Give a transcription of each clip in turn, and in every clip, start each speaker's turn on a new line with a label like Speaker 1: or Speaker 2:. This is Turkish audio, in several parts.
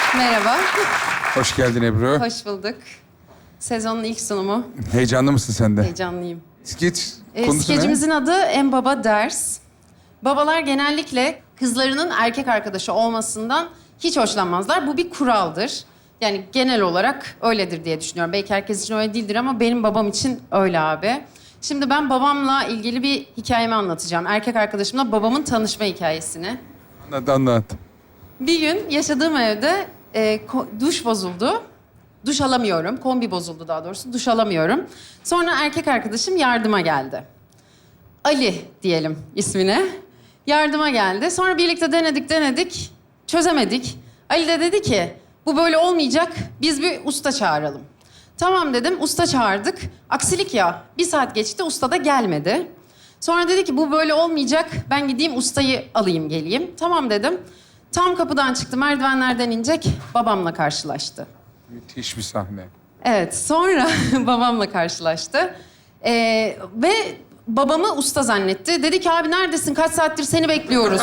Speaker 1: Merhaba.
Speaker 2: Hoş geldin Ebru.
Speaker 1: Hoş bulduk. Sezonun ilk sunumu.
Speaker 2: Heyecanlı mısın sen de?
Speaker 1: Heyecanlıyım.
Speaker 2: Skeç konusu ne?
Speaker 1: Skecimizin adı En Baba Ders. Babalar genellikle kızlarının erkek arkadaşı olmasından hiç hoşlanmazlar. Bu bir kuraldır. Yani genel olarak öyledir diye düşünüyorum. Belki herkes için öyle değildir ama benim babam için öyle abi. Şimdi ben babamla ilgili bir hikayemi anlatacağım. Erkek arkadaşımla babamın tanışma hikayesini.
Speaker 2: Anlat.
Speaker 1: Bir gün yaşadığım evde duş bozuldu. Duş alamıyorum. Kombi bozuldu daha doğrusu. Duş alamıyorum. Sonra erkek arkadaşım yardıma geldi. Ali diyelim ismine. Yardıma geldi. Sonra birlikte denedik. Çözemedik. Ali de dedi ki bu böyle olmayacak. Biz bir usta çağıralım. Tamam dedim. Usta çağırdık. Aksilik ya. 1 saat geçti. Usta da gelmedi. Sonra dedi ki bu böyle olmayacak. Ben gideyim ustayı alayım geleyim. Tamam dedim. Tam kapıdan çıktı. Merdivenlerden inecek. Babamla karşılaştı.
Speaker 2: Müthiş bir sahne.
Speaker 1: Evet, sonra babamla karşılaştı. Ve babamı usta zannetti. Dedi ki abi neredesin? Kaç saattir seni bekliyoruz.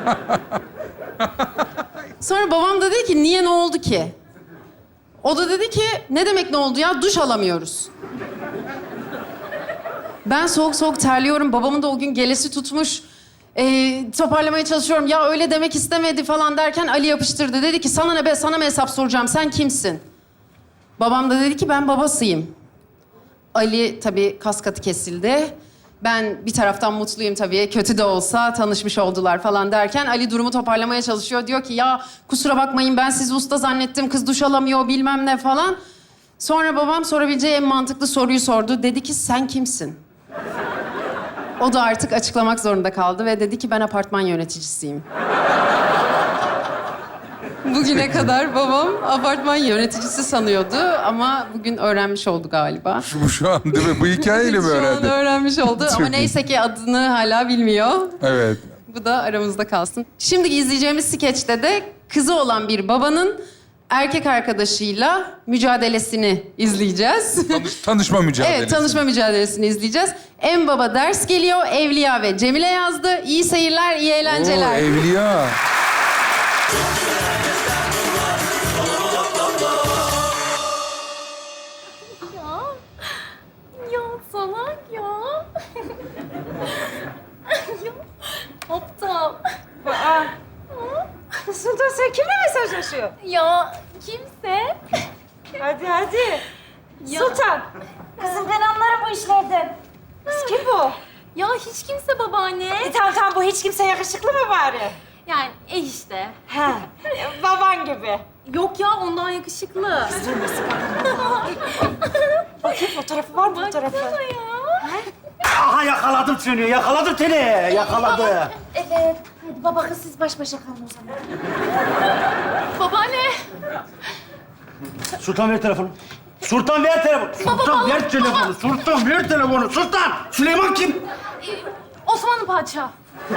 Speaker 1: Sonra babam da dedi ki niye ne oldu ki? O da dedi ki ne demek ne oldu ya? Duş alamıyoruz. Ben soğuk soğuk terliyorum. Babamın da o gün gelesi tutmuş. Toparlamaya çalışıyorum. Ya öyle demek istemedi falan derken Ali yapıştırdı. Dedi ki sana ne be? Sana mı hesap soracağım? Sen kimsin? Babam da dedi ki ben babasıyım. Ali tabii kas katı kesildi. Ben bir taraftan mutluyum tabii. Kötü de olsa tanışmış oldular falan derken Ali durumu toparlamaya çalışıyor. Diyor ki ya kusura bakmayın ben sizi usta zannettim. Kız duş alamıyor bilmem ne falan. Sonra babam sorabileceği en mantıklı soruyu sordu. Dedi ki sen kimsin? O da artık açıklamak zorunda kaldı ve dedi ki ben apartman yöneticisiyim. Bugüne kadar babam apartman yöneticisi sanıyordu ama bugün öğrenmiş oldu galiba.
Speaker 2: Şu an değil mi? Bu hikayeyle mi
Speaker 1: Şu an
Speaker 2: öğrendin?
Speaker 1: öğrenmiş oldu ama
Speaker 2: Çok iyi.
Speaker 1: neyse ki adını hala bilmiyor.
Speaker 2: Evet.
Speaker 1: Bu da aramızda kalsın. Şimdi izleyeceğimiz skeçte de kızı olan bir babanın erkek arkadaşıyla mücadelesini izleyeceğiz.
Speaker 2: Tanışma mücadelesi.
Speaker 1: Evet, tanışma mücadelesini izleyeceğiz. En Baba Ders geliyor. Evliya ve Cemile yazdı. İyi seyirler, iyi eğlenceler.
Speaker 2: Oo, Evliya.
Speaker 3: Ya salak ya. Ya aptal.
Speaker 4: Sultan sen kimle mesajlaşıyor?
Speaker 3: Ya kimse.
Speaker 4: Hadi hadi.
Speaker 3: Ya.
Speaker 4: Sultan. Kızım ben anlarım bu işlerden. Kız kim bu?
Speaker 3: Ya hiç kimse babaanne.
Speaker 4: Tamam bu hiç kimse yakışıklı mı bari?
Speaker 3: Yani işte.
Speaker 4: He. Baban gibi.
Speaker 3: Yok ya ondan yakışıklı.
Speaker 4: Bakayım fotoğrafı var mı fotoğrafı?
Speaker 3: Baksana ya.
Speaker 5: Aha yakaladım seni, yakaladım seni, yakaladı.
Speaker 4: Evet. Hadi baba kız siz baş başa kalın o zaman.
Speaker 3: Babaanne.
Speaker 5: Sultan ver telefonu. Sultan ver telefonu. Sultan ver telefonu. Sultan ver telefonu. Sultan. Süleyman kim?
Speaker 3: Osmanlı padişahı.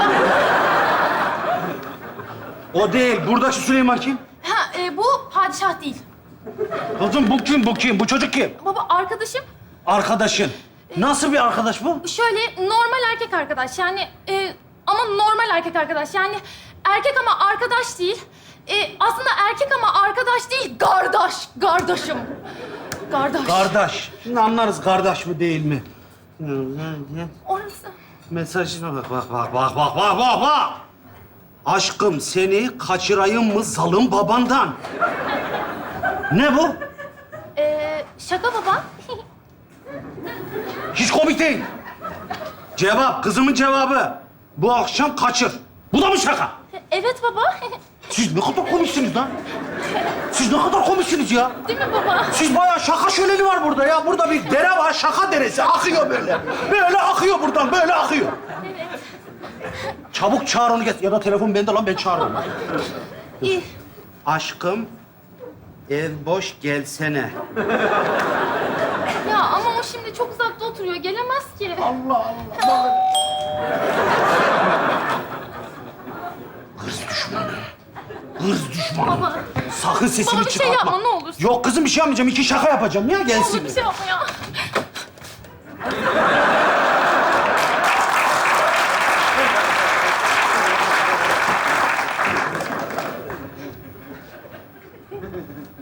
Speaker 5: O değil. Buradaki Süleyman kim?
Speaker 3: Ha bu padişah değil.
Speaker 5: Kızım bu kim? Bu kim? Bu çocuk kim?
Speaker 3: Baba arkadaşım
Speaker 5: Arkadaşın. Nasıl bir arkadaş bu?
Speaker 3: şöyle normal erkek arkadaş yani ama normal erkek arkadaş yani erkek ama arkadaş değil. Aslında erkek ama arkadaş değil, kardeşim. Kardeş.
Speaker 5: Kardeş. Şimdi anlarız kardeş mi değil mi?
Speaker 3: Orası.
Speaker 5: Mesajına bak. Aşkım seni kaçırayım mı zalım babandan? Ne bu?
Speaker 3: Şaka baba.
Speaker 5: Hiç komik değil. Cevap, kızımın cevabı. Bu akşam kaçır. Bu da mı şaka?
Speaker 3: Evet baba.
Speaker 5: Siz ne kadar komiksiniz lan? Siz ne kadar komiksiniz ya?
Speaker 3: Değil mi baba?
Speaker 5: Siz bayağı şaka şöleni var burada ya. Burada bir dere var, şaka deresi. Akıyor böyle. Böyle akıyor buradan, böyle akıyor.
Speaker 3: Evet.
Speaker 5: Çabuk çağır onu get. Ya da telefon bende lan, ben çağırırım.
Speaker 3: İyi.
Speaker 5: Aşkım, ev boş gelsene.
Speaker 3: Ya ama o şimdi çok uzakta oturuyor. Gelemez ki.
Speaker 5: Hırs düşmanı. Hırs düşmanı.
Speaker 3: Baba.
Speaker 5: Sakın sesini
Speaker 3: Baba bir şey
Speaker 5: çıkartma.
Speaker 3: yapma, ne olur.
Speaker 5: Yok kızım bir şey yapmayacağım. 2 şaka yapacağım ya gelsin.
Speaker 3: Oğlum bir şey yapma ya.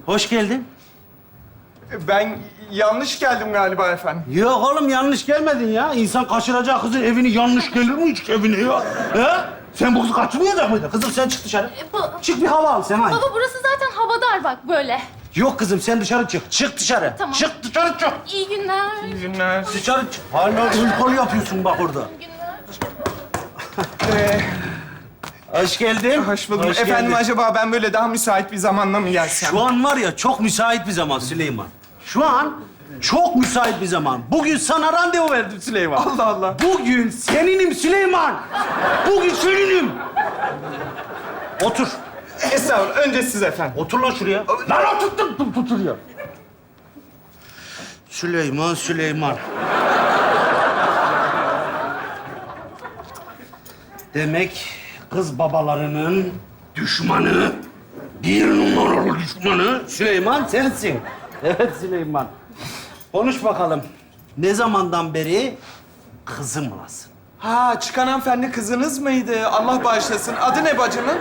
Speaker 5: Hoş geldin.
Speaker 6: Ben yanlış geldim galiba efendim.
Speaker 5: Yok oğlum yanlış gelmedin ya. İnsan kaçıracağı kızın evini yanlış gelir mi hiç evine ya? He? Sen bu kızı kaçırmayacak mıydın? Kızım sen çık dışarı. Çık bir hava al sen hadi.
Speaker 3: Baba burası zaten havadar bak böyle.
Speaker 5: Yok kızım sen dışarı çık. Çık dışarı.
Speaker 3: Tamam.
Speaker 5: Çık dışarı çık.
Speaker 3: İyi günler.
Speaker 6: İyi günler.
Speaker 5: Dışarı çık. Hala ılkol yapıyorsun bak orada.
Speaker 3: İyi günler.
Speaker 5: Hoş geldin.
Speaker 6: Hoş buldum.
Speaker 5: Hoş
Speaker 6: Efendim
Speaker 5: geldin.
Speaker 6: acaba ben böyle daha müsait bir zamanda mı gelsem?
Speaker 5: Şu an var ya çok müsait bir zaman Süleyman. Şu an çok müsait bir zaman. Bugün sana randevu verdim Süleyman.
Speaker 6: Allah Allah.
Speaker 5: Bugün seninim Süleyman. Bugün seninim. Otur.
Speaker 6: Estağfurullah. Önce siz efendim.
Speaker 5: Otur lan şuraya. Lan otur ya. Süleyman. Demek kız babalarının düşmanı, bir numaralı düşmanı Süleyman sensin. Evet Süleyman. Konuş bakalım. Ne zamandan beri kızımlasın?
Speaker 6: Ha, çıkan hanımefendi kızınız mıydı? Allah bağışlasın. Adı ne bacımın?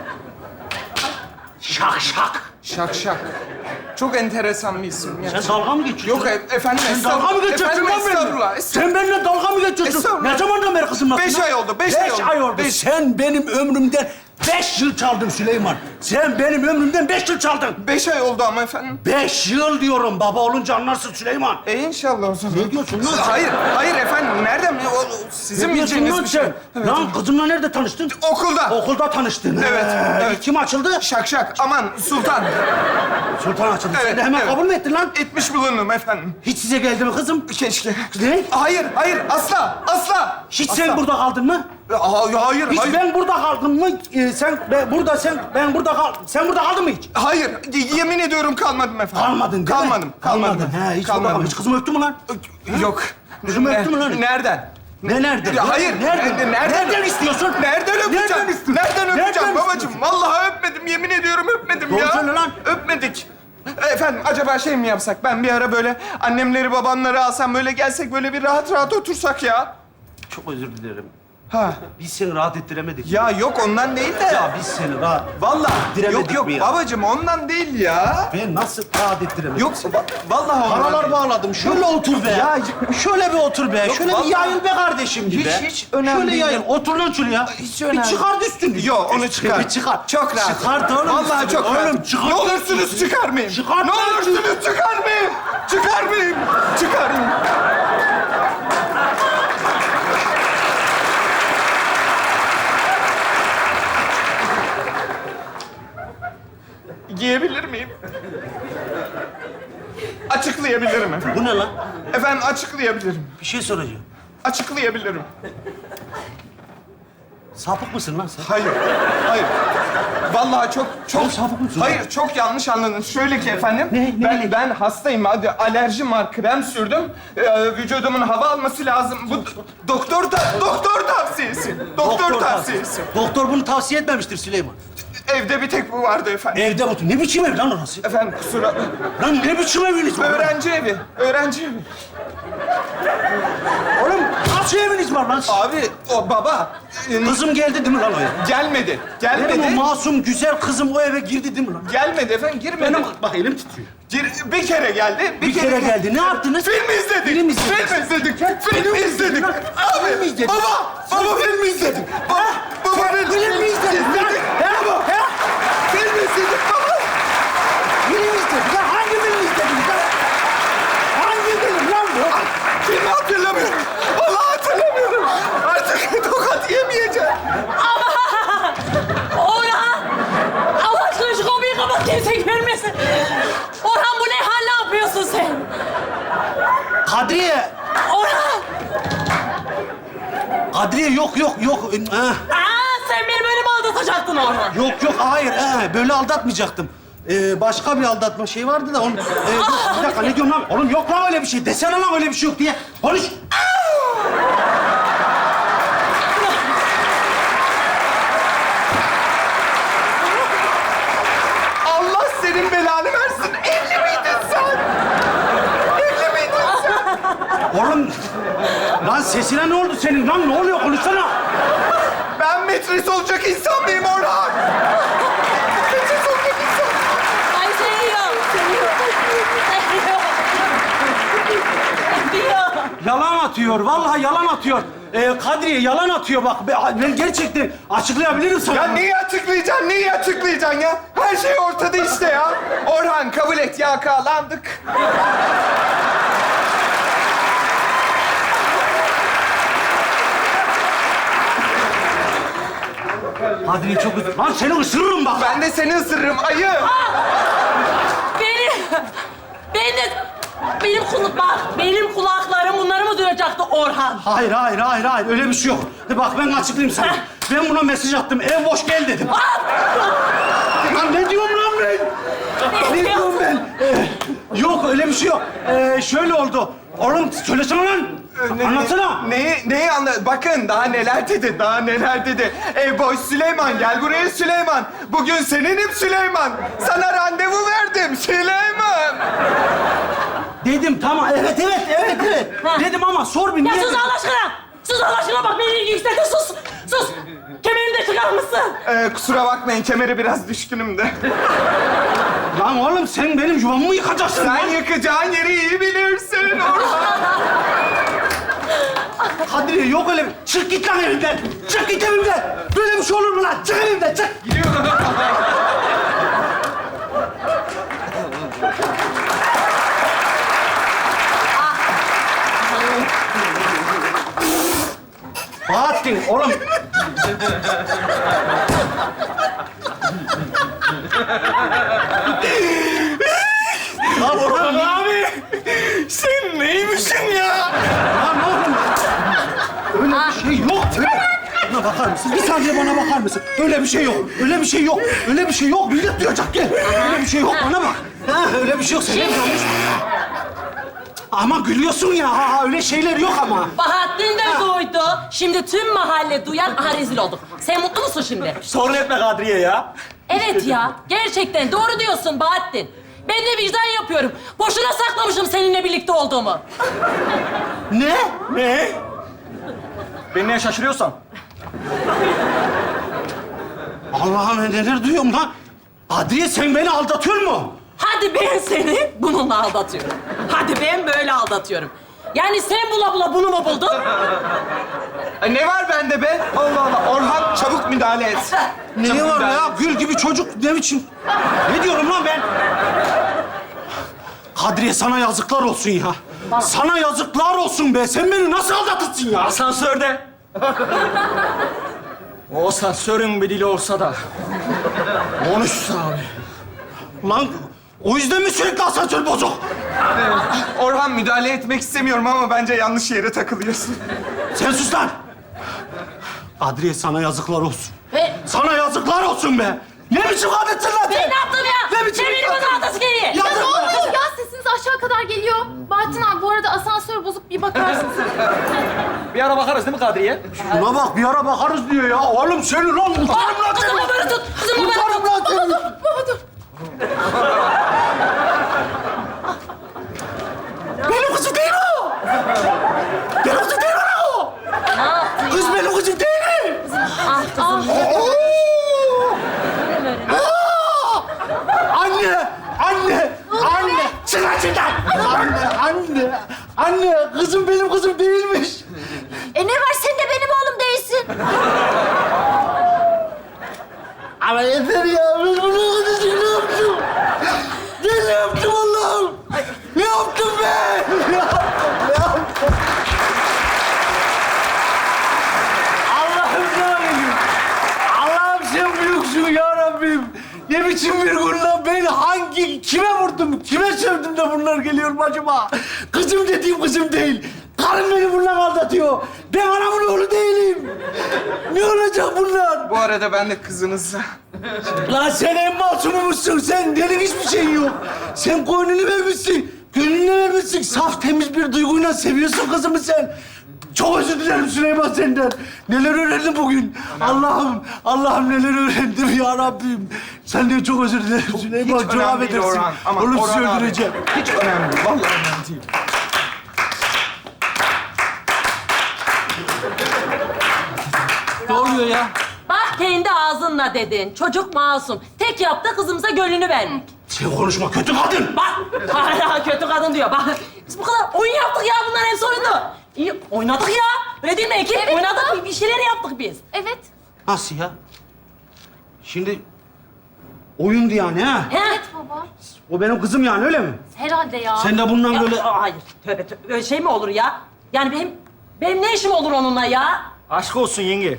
Speaker 5: Şak.
Speaker 6: Şak Şak. Çok enteresan bir isim ya.
Speaker 5: Sen dalga mı geçiyorsun?
Speaker 6: Yok efendim,
Speaker 5: Sen dalga mı geçiyorsun
Speaker 6: Efendim,
Speaker 5: lan benimle?
Speaker 6: estağfurullah.
Speaker 5: Sen benimle dalga mı geçiyorsun?
Speaker 6: Estağfurullah.
Speaker 5: Ne zamandan beri kızımlasın?
Speaker 6: 5 ay oldu, 5 ay oldu.
Speaker 5: 5 ay oldu.
Speaker 6: Beş.
Speaker 5: Sen benim ömrümden 5 yıl çaldın Süleyman. Sen benim ömrümden 5 yıl çaldın.
Speaker 6: 5 ay oldu ama efendim.
Speaker 5: 5 yıl diyorum. Baba olunca anlarsın Süleyman.
Speaker 6: İnşallah o zaman.
Speaker 5: Ne diyorsun lan?
Speaker 6: Hayır efendim. Nereden? Sizin
Speaker 5: Ne diyorsun
Speaker 6: bileceğiniz
Speaker 5: lan
Speaker 6: bir şey.
Speaker 5: sen?
Speaker 6: Evet.
Speaker 5: Lan kızımla nerede tanıştın?
Speaker 6: Okulda.
Speaker 5: Okulda tanıştın.
Speaker 6: Evet, evet.
Speaker 5: Kim açıldı?
Speaker 6: Şak Şak. Aman Sultan.
Speaker 5: Sultan açıldı. Sen
Speaker 6: Evet,
Speaker 5: de hemen
Speaker 6: evet.
Speaker 5: kabul mü ettin lan?
Speaker 6: Etmiş bulundum efendim.
Speaker 5: Hiç size geldi mi kızım?
Speaker 6: Keşke.
Speaker 5: Ne?
Speaker 6: Hayır, asla.
Speaker 5: Hiç
Speaker 6: Asla.
Speaker 5: sen burada kaldın mı?
Speaker 6: Hayır,
Speaker 5: Hiç
Speaker 6: hayır.
Speaker 5: ben burada kaldım mı? Sen burada kaldın mı hiç?
Speaker 6: Hayır, yemin ediyorum kalmadım efendim.
Speaker 5: Kalmadın değil mi?
Speaker 6: Kalmadım.
Speaker 5: He, hiç burada kalmadın. Hiç kızımı öptün mü lan?
Speaker 6: Yok.
Speaker 5: Kızımı öptün mü lan?
Speaker 6: Nereden?
Speaker 5: Ne nerede?
Speaker 6: Ya hayır,
Speaker 5: Nereden? Nereden istiyorsun?
Speaker 6: Nereden öpeceğim?
Speaker 5: Nereden istiyorsun?
Speaker 6: Nereden öpeceğim
Speaker 5: Nereden
Speaker 6: babacığım?
Speaker 5: istiyorsun?
Speaker 6: Vallahi öpmedim, yemin ediyorum öpmedim
Speaker 5: Doğru
Speaker 6: ya.
Speaker 5: söyle lan.
Speaker 6: Öpmedik. Efendim, acaba şey mi yapsak? Ben bir ara böyle annemleri, babamları alsam, böyle gelsek, böyle bir rahat rahat otursak ya.
Speaker 5: Çok özür dilerim.
Speaker 6: Ha.
Speaker 5: Biz seni rahat ettiremedik.
Speaker 6: Ya yok ondan değil de.
Speaker 5: Ya biz seni rahat...
Speaker 6: Vallahi
Speaker 5: ettiremedik
Speaker 6: yok
Speaker 5: mi ya?
Speaker 6: babacığım ondan değil ya.
Speaker 5: Ben nasıl rahat ettiremedim?
Speaker 6: Yok vallahi ondan
Speaker 5: Paralar
Speaker 6: değil.
Speaker 5: bağladım. Şöyle otur be.
Speaker 6: Ya,
Speaker 5: şöyle bir otur be.
Speaker 6: Yok,
Speaker 5: Şöyle
Speaker 6: vallahi-
Speaker 5: bir yayıl be kardeşim gibi.
Speaker 6: Hiç önemli
Speaker 5: Şöyle
Speaker 6: değil.
Speaker 5: yayıl. Otur lan şuraya.
Speaker 6: Hiç önemli.
Speaker 5: Bir çıkar üstünü.
Speaker 6: Yok onu çıkar.
Speaker 5: Bir çıkar.
Speaker 6: Çok rahat.
Speaker 5: Çıkart oğlum.
Speaker 6: Vallahi
Speaker 5: üstünü.
Speaker 6: çok rahat.
Speaker 5: Oğlum çıkart.
Speaker 6: Ne olursunuz çıkarmayın.
Speaker 5: Çıkart
Speaker 6: Ne
Speaker 5: lan.
Speaker 6: olursunuz çıkarmayın. Çıkarmayın. Çıkarmayın. Giyebilir miyim? Açıklayabilirim efendim.
Speaker 5: Bu ne lan?
Speaker 6: Efendim açıklayabilirim.
Speaker 5: Bir şey soracağım.
Speaker 6: Açıklayabilirim.
Speaker 5: Sapık mısın lan sen?
Speaker 6: Hayır, hayır. Vallahi çok
Speaker 5: Oğlum, sapık mısın?
Speaker 6: Hayır, çok yanlış anladın. Şöyle ki efendim,
Speaker 5: Ne?
Speaker 6: ben hastayım. Hadi alerjim var, krem sürdüm. Vücudumun hava alması lazım. Bu doktor tavsiyesi. Doktor tavsiyesi.
Speaker 5: Doktor bunu tavsiye etmemiştir Süleyman.
Speaker 6: Evde bir tek bu vardı efendim.
Speaker 5: Evde otur. Ne biçim ev lan orası?
Speaker 6: Efendim kusura...
Speaker 5: Lan ne biçim eviniz var?
Speaker 6: Öğrenci evi, öğrenci evi.
Speaker 5: Oğlum nasıl eviniz var lan?
Speaker 6: Abi, o baba
Speaker 5: Kızım geldi değil mi lan o eve?
Speaker 6: gelmedi.
Speaker 5: Benim o
Speaker 6: Gelmedi.
Speaker 5: masum güzel kızım o eve girdi değil mi lan?
Speaker 6: Gelmedi efendim, girmedi.
Speaker 5: Benim bak elim titriyor.
Speaker 6: Bir kere geldi,
Speaker 5: Bir kere geldi. Ne yaptınız?
Speaker 6: Film izledik.
Speaker 5: Film izledik.
Speaker 6: Film izledik. Film izledik. Abi,
Speaker 5: Film izledik.
Speaker 6: Baba film izledik. Baba
Speaker 5: Film mi izledin lan?
Speaker 6: Baba. Film izledik baba.
Speaker 5: Film izledik lan. Hangi film izlediniz lan? Hangi film lan bu?
Speaker 6: Filmi hatırlamıyorum. Vallahi hatırlamıyorum. Artık tokat yemeyeceğim.
Speaker 7: Orhan! Allah aşkına şu kapıyı kapat, kimse görmesin. Orhan bu ne hal, ne yapıyorsun sen?
Speaker 5: Kadriye.
Speaker 7: Orhan!
Speaker 5: Kadriye yok.
Speaker 7: Sen beni böyle mi aldatacaktın Orhan?
Speaker 5: Yok hayır. Böyle aldatmayacaktım. Başka bir aldatma şey vardı da onu... bir dakika ne diyorum lan? Oğlum yok lan öyle bir şey. Desene lan öyle bir şey yok diye. Konuş.
Speaker 6: Allah senin belanı versin. Evli miydin sen? Evli miydin sen?
Speaker 5: Oğlum. Lan sesine ne oldu senin? Lan ne oluyor? Konuşsana.
Speaker 6: Ben metris olacak insan mıyım Orhan? Metris olacak insan.
Speaker 7: Ay şey ya,
Speaker 5: atıyor. Vallahi yalan atıyor. Kadriye yalan atıyor bak. Ben gerçekten açıklayabilirim sana.
Speaker 6: Ya neyi açıklayacaksın, neyi açıklayacaksın ya? Her şey ortada işte ya. Orhan kabul et, yakalandık.
Speaker 5: Kadriye çok üzüldüm. Lan seni ısırırım bak.
Speaker 6: Ben de seni ısırırım ayı.
Speaker 7: Benim kulaklarım bunları mı duyacaktı Orhan?
Speaker 5: Hayır. Öyle bir şey yok. Bak ben açıklayayım sana. Ben buna mesaj attım. Ev boş gel dedim. Lan ne diyorum lan ben? Ne diyorum ben? Yok öyle bir şey yok. Şöyle oldu. Oğlum söylesene lan. Anlatsana.
Speaker 6: Neyi anla? Bakın daha neler dedi, daha neler dedi. Ey boş Süleyman, gel buraya Süleyman. Bugün seninim Süleyman. Sana randevu verdim Süleyman.
Speaker 5: Dedim tamam. Evet.
Speaker 7: Ha.
Speaker 5: Dedim ama sor bir
Speaker 7: Ya
Speaker 5: niye?
Speaker 7: sus Allah aşkına! Sus Allah aşkına bak beni yükseltin sus! Sus! Kemerini de çıkar mısın?
Speaker 6: Kusura bakmayın, kemere biraz düşkünüm de.
Speaker 5: Lan oğlum sen benim yuvamı mı yıkacaksın
Speaker 6: Sen
Speaker 5: lan?
Speaker 6: yıkacağın yeri iyi bilirsin Orhan.
Speaker 5: Kadriye yok öyle bir... Çık git lan evimden! Çık git evimden! Böyle bir şey olur mu lan? Çık evimden, çık! Bahattin, oğlum. Lan Orhan abi!
Speaker 6: Sen neymişsin ya?
Speaker 5: Lan oğlum! Öyle bir şey yok. Bana bakar mısın? Bir saniye bana bakar mısın? Öyle bir şey yok. Öyle bir şey yok. Öyle bir şey yok. Millet duyacak gel. Öyle bir şey yok. Bana bak. Ha, öyle bir şey yok. Sen yanlış. Ama gülüyorsun ya. Öyle şeyler yok ama.
Speaker 7: Bahattin de duydu. Şimdi tüm mahalle duyan rezil olduk. Sen mutlu musun şimdi?
Speaker 5: Sorun etme Kadriye ya.
Speaker 7: Evet ya. Gerçekten doğru diyorsun Bahattin. Ben de vicdan yapıyorum. Boşuna saklamışım seninle birlikte olduğumu.
Speaker 5: Ne?
Speaker 8: Ne? Beni neye şaşırıyorsan?
Speaker 5: Allah'ım neler duyuyorum lan. Kadriye sen beni aldatıyor mu?
Speaker 7: Hadi ben seni bununla aldatıyorum. Hadi ben böyle aldatıyorum. Yani sen bula bula bunu mu buldun?
Speaker 6: Ne var bende be? Allah Allah. Orhan çabuk müdahale et.
Speaker 5: Ne
Speaker 6: Çabuk
Speaker 5: var
Speaker 6: müdahale
Speaker 5: ya?
Speaker 6: et.
Speaker 5: Gül gibi çocuk ne biçim? Ne diyorum lan ben? Kadriye sana yazıklar olsun ya. Sana yazıklar olsun be. Sen beni nasıl aldatırsın ya?
Speaker 8: Asansörde. O asansörün bir dili olsa da konuşsa abi.
Speaker 5: Lan o yüzden mi sürekli asansör bozuk?
Speaker 6: Orhan müdahale etmek istemiyorum ama bence yanlış yere takılıyorsun.
Speaker 5: Sen sus lan. Kadriye sana yazıklar olsun.
Speaker 7: Ve
Speaker 5: Sana yazıklar olsun be. Ne biçim kadınsın lan
Speaker 7: ben
Speaker 5: sen?
Speaker 7: ne yaptım ya?
Speaker 5: Ne biçim
Speaker 7: Sen beni bana aldasın geriye.
Speaker 3: Ya
Speaker 5: Yazık
Speaker 3: ne
Speaker 5: be.
Speaker 3: oluyor ya? Sesiniz aşağı kadar geliyor. Bahattin abi bu arada asansör bozuk, bir bakarsın sen.
Speaker 8: Bir ara bakarız değil mi Kadriye?
Speaker 5: Buna bak bir ara bakarız diyor ya. Oğlum seni lan utanırım lan seni.
Speaker 7: Kızımı böyle tut. Kızımı böyle
Speaker 5: Utanırım
Speaker 7: tut.
Speaker 5: lan seni.
Speaker 3: Baba dur.
Speaker 5: Benim kızım değil o. Benim kızım değil o.
Speaker 7: Ne yaptın?
Speaker 5: Kız benim kızım değil.
Speaker 7: Ah kızım.
Speaker 5: Oo! Aa! Anne! Çık lan şuradan! Anne! Kızım benim kızım değilmiş.
Speaker 4: Ne var sen de benim oğlum değilsin.
Speaker 5: Ama yeter ya. Ben bunu kızım ne yaptım? Ne yaptım Allah'ım? Ne yaptım ben? Ne yaptım? Allah'ım ne yapayım? Allah'ım sen büyüksün ya Rabbim. Ne biçim bir gün lan? Ben kime vurdum? Kime sövdüm de bunlar geliyor acaba? Kızım dediğim kızım değil. Karım beni bununla aldatıyor. Ben anamın oğlu değilim. Ne olacak bunlar?
Speaker 6: Bu arada ben de kızınızla.
Speaker 5: Lan sen en masumumuzsun. Sen derin hiçbir şey yok. Sen koynunu vermişsin. Gönlünü vermişsin. Saf temiz bir duyguyla seviyorsun kızımı sen. Çok özür dilerim Süleyman senden. Neler öğrendim bugün. Allah'ım neler öğrendim ya Rabbim. Senden çok özür dilerim Süleyman.
Speaker 6: Hiç
Speaker 5: Çok
Speaker 6: önemli değil
Speaker 5: affedersin.
Speaker 6: Orhan. Ama
Speaker 5: Oğlum sizi
Speaker 6: Orhan abi,
Speaker 5: öldüreceğim.
Speaker 6: hiç önemli değil. Vallahi önemli değil.
Speaker 8: Ne oluyor ya?
Speaker 7: Bak kendi ağzınla dedin. Çocuk masum. Tek yaptı kızımıza gönlünü vermek.
Speaker 5: Sen konuşma kötü kadın.
Speaker 7: Bak hala kötü kadın diyor. Bak biz bu kadar oyun yaptık ya bunların hepsi oyundu. İyi oynadık ya. Öyle değil mi Ekin?
Speaker 3: Evet,
Speaker 7: oynadık,
Speaker 3: baba.
Speaker 7: bir şeyler yaptık biz.
Speaker 3: Evet.
Speaker 5: Nasıl ya? Şimdi oyundu yani ha?
Speaker 3: Evet baba.
Speaker 5: O benim kızım yani öyle mi?
Speaker 3: Herhalde ya.
Speaker 5: Sen de bundan
Speaker 7: Ya,
Speaker 5: böyle...
Speaker 7: hayır, tövbe tövbe. Öyle şey mi olur ya? Yani benim ne işim olur onunla ya?
Speaker 8: Aşk olsun yenge.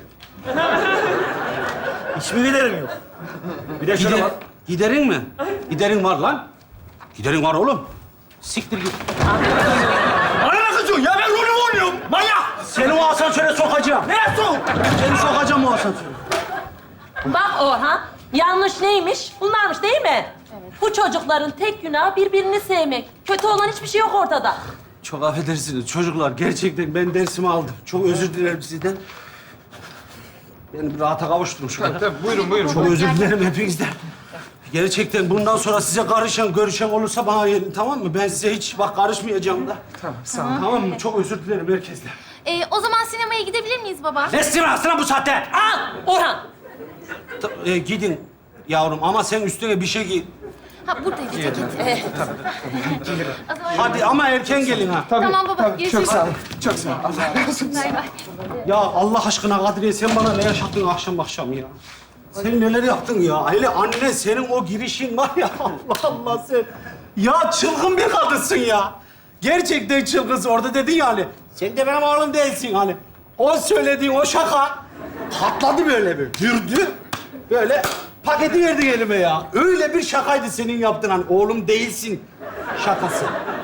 Speaker 8: Hiçbir giderim yok. Bir de şöyle bak.
Speaker 5: Giderin mi? Giderin var lan. Giderin var oğlum. Siktir git.
Speaker 8: Bana ne kızıyorsun ya? Ben rolü oynuyorum. Manyak.
Speaker 5: Seni o asansöre sokacağım.
Speaker 8: Nereye sok?
Speaker 5: Seni sokacağım o asansöre.
Speaker 7: Bak Orhan, yanlış neymiş? Bunlarmış değil mi? Evet. Bu çocukların tek günahı birbirini sevmek. Kötü olan hiçbir şey yok ortada.
Speaker 5: Çok affedersiniz çocuklar. Gerçekten ben dersimi aldım. Çok özür dilerim sizden. Beni bir rahata kavuşturun şurada.
Speaker 6: Tabii, buyurun, buyurun.
Speaker 5: Çok özür dilerim hepinizden. Gerçekten bundan sonra size karışan, görüşen olursa bana gelin, tamam mı? Ben size hiç bak karışmayacağım da.
Speaker 6: Tamam, sağ ol.
Speaker 5: Tamam mı? Çok özür dilerim herkesten.
Speaker 3: O zaman sinemaya gidebilir miyiz baba?
Speaker 5: Ne sinemasına bu saatte?
Speaker 7: Al Orhan.
Speaker 5: Gidin yavrum ama sen üstüne bir şey giy.
Speaker 3: Ha buradaydı ceket. O zaman
Speaker 5: Hadi ama erken gelin ha.
Speaker 3: tamam baba.
Speaker 6: Tabii,
Speaker 3: Görüşürüz.
Speaker 6: çok sağ ol. Çok sağ ol. Allah razı olsun.
Speaker 3: Bay bay.
Speaker 5: Ya Allah aşkına Kadriye sen bana ne yaşattın akşam ya? Sen neler yaptın ya? Hele anne senin o girişin var ya Allah Allah sen. Ya çılgın bir kadınsın ya. Gerçekten çılgınsın. Orada dedin ya hani. Sen de benim oğlum değilsin hani. O söylediğin o şaka patladı böyle bir. Dürdü. Böyle paketi verdin elime ya. Öyle bir şakaydı senin yaptığın hani oğlum değilsin şakası.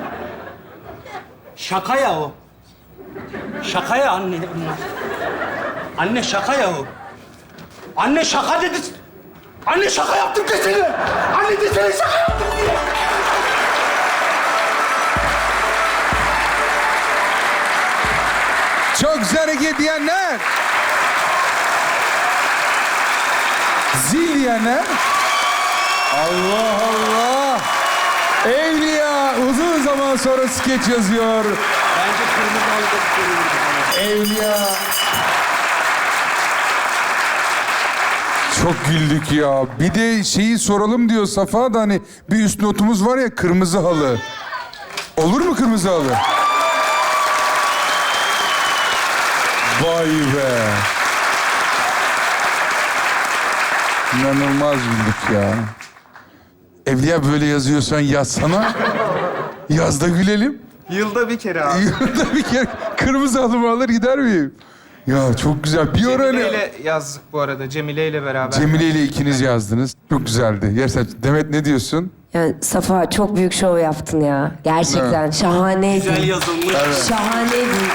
Speaker 5: Şaka ya o. Şaka ya anne bunlar. Anne şaka ya o. Anne şaka dedi. Anne şaka yaptım desene. Anne desene şaka yaptım diye.
Speaker 2: Çok güzel hareket diyenler. Zil diyenler. Allah Allah. Evliya uzun zaman sonra skeç yazıyor.
Speaker 5: Bence kırmızı halıda
Speaker 2: Evliya. Çok güldük ya. Bir de şeyi soralım diyor Safa da hani bir üst notumuz var ya kırmızı halı. Olur mu kırmızı halı? Vay be. İnanılmaz güldük ya. Evliya böyle yazıyorsan yazsana. Yaz da gülelim.
Speaker 6: Yılda bir kere abi.
Speaker 2: Yılda bir kere kırmızı halımı alır gider miyim? Ya çok güzel. Bir ara
Speaker 6: Cemile
Speaker 2: öyle...
Speaker 6: ile yazdık bu arada. Cemile ile beraber.
Speaker 2: Cemile ile ikiniz yazdınız. Çok güzeldi. Gerçekten. Demet ne diyorsun?
Speaker 9: Yani Safa çok büyük şov yaptın ya. Gerçekten şahaneydi.
Speaker 5: güzel yazılmış.
Speaker 9: Şahaneydi.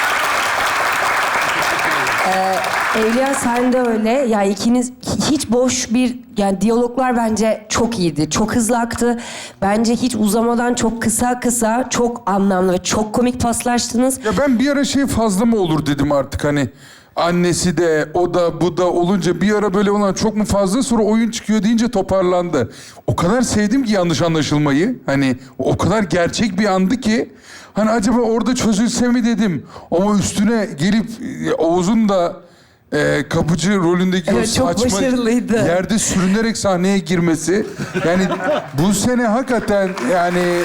Speaker 9: Evliya sen de öyle. Ya ikiniz hiç boş bir yani diyaloglar bence çok iyiydi. Çok hızlı aktı. Bence hiç uzamadan çok kısa çok anlamlı ve çok komik paslaştınız.
Speaker 2: Ya ben bir ara şey fazla mı olur dedim artık hani. Annesi de, o da, bu da olunca bir ara böyle olan çok mu fazla sonra oyun çıkıyor deyince toparlandı. O kadar sevdim ki yanlış anlaşılmayı. Hani o kadar gerçek bir andı ki. Hani acaba orada çözülse mi dedim. Ama üstüne gelip Oğuz'un da kapıcı rolündeki o
Speaker 9: Evet, çok
Speaker 2: saçma
Speaker 9: başarılıydı.
Speaker 2: yerde sürünerek sahneye girmesi. Yani bu sene hakikaten yani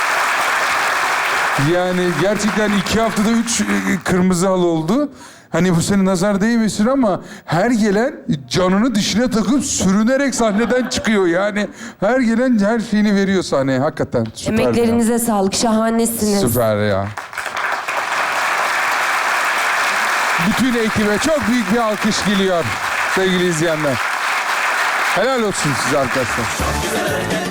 Speaker 2: gerçekten 2 haftada 3 kırmızı halı oldu. Hani bu sene nazar değmesin ama her gelen canını dişine takıp sürünerek sahneden çıkıyor. Yani her gelen her şeyini veriyor sahneye. Hakikaten süper.
Speaker 9: Emeklerinize sağlık. Şahanesiniz.
Speaker 2: Süper ya. Bütün ekibe çok büyük bir alkış geliyor sevgili izleyenler. Helal olsun size arkadaşlar.